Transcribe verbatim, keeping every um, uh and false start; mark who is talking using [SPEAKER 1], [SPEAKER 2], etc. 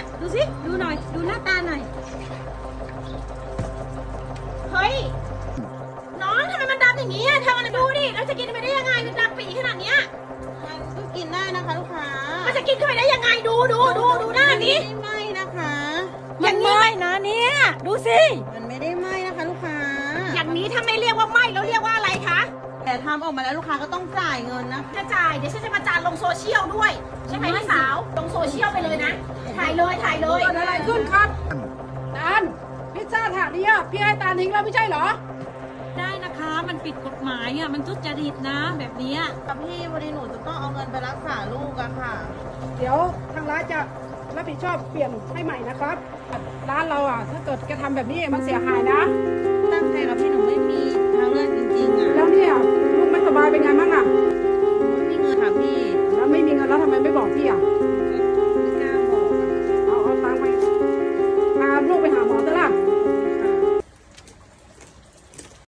[SPEAKER 1] ดูสิดูหน่อยดูหน้าตาหน่อยเฮ้ยน้องทำไมมันดำอย่างนี้เธอมาดูดิเราจะกินไปได้ยังไงมันดำปีขนาดเนี้ย
[SPEAKER 2] มันก็กินได้นะคะลูกค้า
[SPEAKER 1] มันจะกินเข้าไปได้ยังไงดูดูดูดูหน้านี้
[SPEAKER 2] ไม่ไหม้นะคะ
[SPEAKER 1] อย่างนี้นะเนี่ยดูสิ
[SPEAKER 2] มันไม่ได้ไหม้นะคะลูกค้า
[SPEAKER 1] อย่างนี้ถ้าไม่เรียกว่าไหม้แล้วเรียกว่าอะไรคะ
[SPEAKER 2] แต่ทำออกมาแล้วลูกค้าก็ต้องจ่ายเงินนะ
[SPEAKER 1] จะจ่ายเดี๋ยวฉันจะประจานลงโซเชียลด้วยใช่ไหมพี่สาวลงโซเชียลไปเลยนะถ่ายเลยถ่ายเลย
[SPEAKER 3] เกิดอะไรขึ้นครับตาลพิซซ่าถาดนี้พี่ให้ตาลทิ้งแล้วไม่ใช่เหรอ
[SPEAKER 1] ได้นะคะมันผิดกฎหมายอ่ะมันทุจริตนะแบบนี้
[SPEAKER 2] กับพี่วันนี้หนูจะต้องเอาเงินไปรักษาลูกอะค่ะ
[SPEAKER 3] เดี๋ยวทางร้านจะรับผิดชอบเปลี่ยนให้ใหม่นะครับร้านเราอ่ะถ้าเกิดแกทำแบบนี้มันเสียหายนะ
[SPEAKER 2] ตั้งใจกับพี่หนูไม่มีทางเลือกจริงๆอะ
[SPEAKER 3] แล้วเนี่ยลูกไม่สบายเป็นไงบ้างอ่ะ
[SPEAKER 2] ไม่มีเงินค่ะพี่
[SPEAKER 3] แล้วไม่มีเงินแล้วทำไมไม่บอกพี่อ่ะ